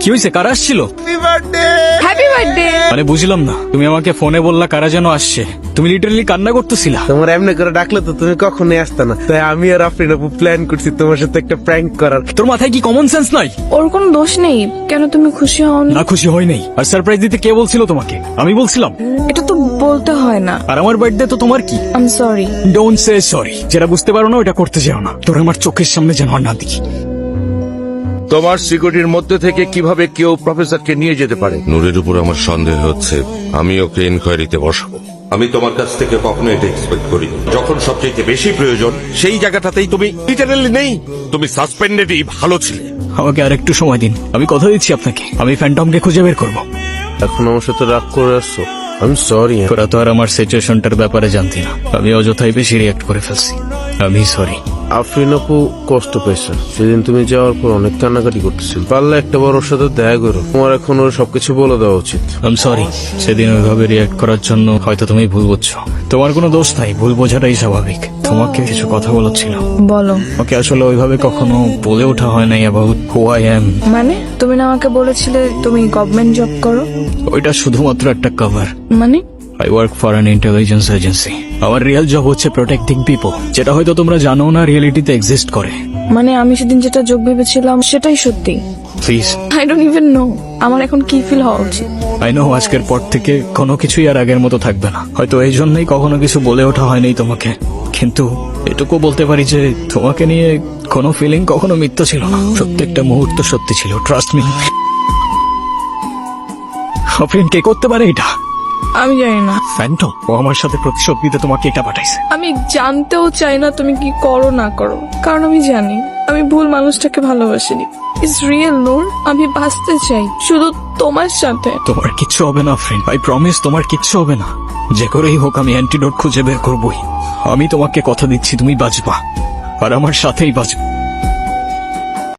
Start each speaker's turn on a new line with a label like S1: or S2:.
S1: কি হয়েছে? কারা আসছিল?
S2: Happy birthday.
S1: মানে বুঝলাম না, তুমি আমাকে ফোনে বললা কারা যেন আসছে, তুমি লিটারালি কান্না করতেছিলা।
S3: তোমার এমনি করে ডাকলে তো তুমি কখনোই আসতে না, তাই আমি আর আফরিন আপু প্ল্যান করছি তোমার সাথে একটা প্র্যাঙ্ক করার।
S1: তোর মাথায় কি কমন সেন্স নাই?
S2: ওর কোনো দোষ নেই, কেন তুমি খুশি হও না?
S1: না খুশি হয় নাই। আর সারপ্রাইজ দিতে কে বলছিল তোমাকে? আমি বলছিলাম।
S2: এটা তো বলতে হয় না।
S1: আর আমার বার্থডে তো তোমার কি?
S2: I am sorry.
S1: Don't say sorry. যেটা বুঝতে পারো না ওটা করতে যাও না। তোর আমার চোখের সামনে যেন আর না দেখি।
S4: তোমার সিকিউরিটির মধ্যে থেকে কিভাবে কেউ প্রফেসরকে নিয়ে যেতে পারে?
S5: নূরের উপর আমার সন্দেহ হচ্ছে, আমি ওকে ইনকোয়ারিতে বসাবো। আমি তোমার কাছ থেকে কখনো এটা এক্সপেক্ট করি। যখন সবচেয়ে বেশি প্রয়োজন সেই জায়গাটাতেই তুমি লিটারালি নেই। তুমি সাসপেন্ডেডই ভালো ছিলে।
S1: আমাকে আর একটু সময় দিন, আমি কথা দিচ্ছি আপনাকে, আমি ফ্যান্টমকে খুঁজে বের করবো।
S3: এখন আমার সাথে রাগ করে আসছো, আমি সরি।
S1: তোরা তো আর আমার সিচুয়েশনটার ব্যাপারে জানতি না, আমি অযথাই বেশি রিয়াক্ট করে ফেলছি। আমি সরি।
S3: আফরিন আপু কষ্ট পেয়েছে, সেদিন তুমি যাওয়ার পর অনেক কান্নাকাটি করতেছিল। পারলে একটা বার ওর সাথে দেখা করো, তোমার এখন ওর সবকিছু বলে দেওয়া উচিত।
S1: আমি সরি, সেদিন ওইভাবে রিয়াক্ট করার জন্য হয়তো তুমি ভুল বুঝছো। তোমার কোনো দোষ নাই, ভুল বোঝাটাই স্বাভাবিক। তোমাকে কিছু কথা বলার ছিল।
S2: বলো।
S1: ওকে আসলে ওইভাবে কখনো বলে ওঠা হয় নাই অ্যাবাউট হু আই অ্যাম।
S2: মানে তুমি না আমাকে বলেছিলে তুমি গভর্নমেন্ট জব করো?
S1: ওইটা শুধুমাত্র একটা কভার।
S2: মানে
S1: I work for an intelligence agency. আমার রিয়েল জব হচ্ছে প্রোটেক্টিং পিপল, যেটা হয়তো তোমরা জানো না রিয়েলিটিতে এক্সিস্ট করে।
S2: মানে আমি সেদিন যেটা যোগ ভেবেছিলাম সেটাই সত্যি?
S1: Please.
S2: I don't even know আমার এখন কি ফিল হওয়া উচিত।
S1: আই নো আজকের পর থেকে কোনো কিছুই আর আগের মতো থাকবে না। হয়তো এই জন্যই কখনো কিছু বলে ওঠা হয়নি তোমাকে, কিন্তু এটুকু বলতে পারি যে তোমাকে নিয়ে কোনো ফিলিং কখনো মিথ্যা ছিল না। প্রত্যেকটা মুহূর্ত সত্যি ছিল, ট্রাস্ট মি। আফরিন কে করতে পারে এটা?
S2: আমি জানি না।
S1: ফ্যান্টম। ও আমার সাথে প্রতিশোধ নিতে তোমাকে এটা পাঠাইছে।
S2: আমি জানতেও চাই না তুমি কি করো না করো, কারণ আমি জানি আমি ভুল মানুষটাকে ভালোবাসিনি। ইটস রিয়েল নূর, আমি বাঁচতে চাই শুধু তোমার সাথে।
S1: তোমার কিচ্ছু হবে না ফ্রেন্ড, আই প্রমিস তোমার কিচ্ছু হবে না। যে করেই হোক আমি অ্যান্টিডোট খুঁজে বের করবই। আমি তোমাকে কথা দিচ্ছি তুমি বাঁচবা, আর আমার সাথেই বাঁচবা।